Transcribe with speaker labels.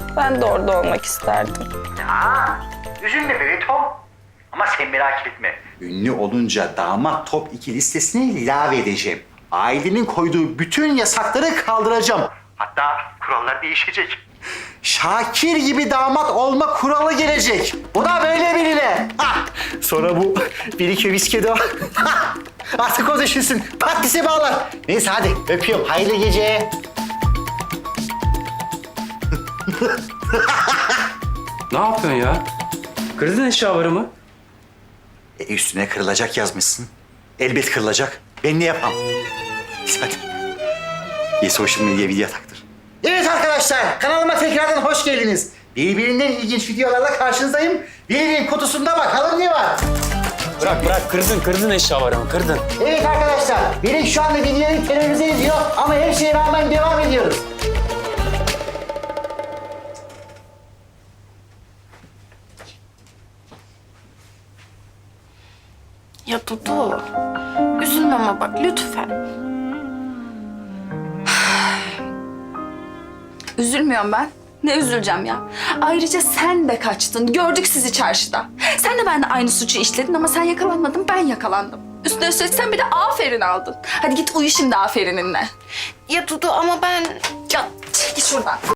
Speaker 1: Ben de orada olmak isterdim.
Speaker 2: Ya üzülme be Tom. Ama sen merak etme. Ünlü olunca damat top 2 listesine ilave edeceğim. Ailenin koyduğu bütün yasakları kaldıracağım. Hatta kurallar değişecek. Şakir gibi damat olma kuralı gelecek. Bu da böyle birine. Sonra bu bir iki viski de artık o düşünsün. Patlisi bağlar. Neyse hadi öpüyorum. Hayırlı gece.
Speaker 3: Ne yapıyorsun ya? Kırdın eşyalarımı.
Speaker 2: Üstüne kırılacak yazmışsın. Elbet kırılacak. Ben ne yapam? Hadi. Social medya video taktır. Evet arkadaşlar, kanalıma tekrardan hoş geldiniz. Birbirinden ilginç videolarla karşınızdayım. Birinin kutusunda bakalım ne var.
Speaker 3: Bırak kırdın eşyalarımı kırdın.
Speaker 2: Evet arkadaşlar, benim şu anda videoyu terörize ediyor ama her şeye rağmen devam ediyoruz.
Speaker 1: Ya Dudu, üzülme ama bak lütfen.
Speaker 4: Üzülmüyorum ben. Ne üzüleceğim ya? Ayrıca sen de kaçtın. Gördük sizi çarşıda. Sen de benimle aynı suçu işledin ama sen yakalanmadın, ben yakalandım. Üstüne üstlük sen bir de aferin aldın. Hadi git uyu şimdi aferininle.
Speaker 1: Ya Dudu ama ben...
Speaker 4: Ya çekil şuradan.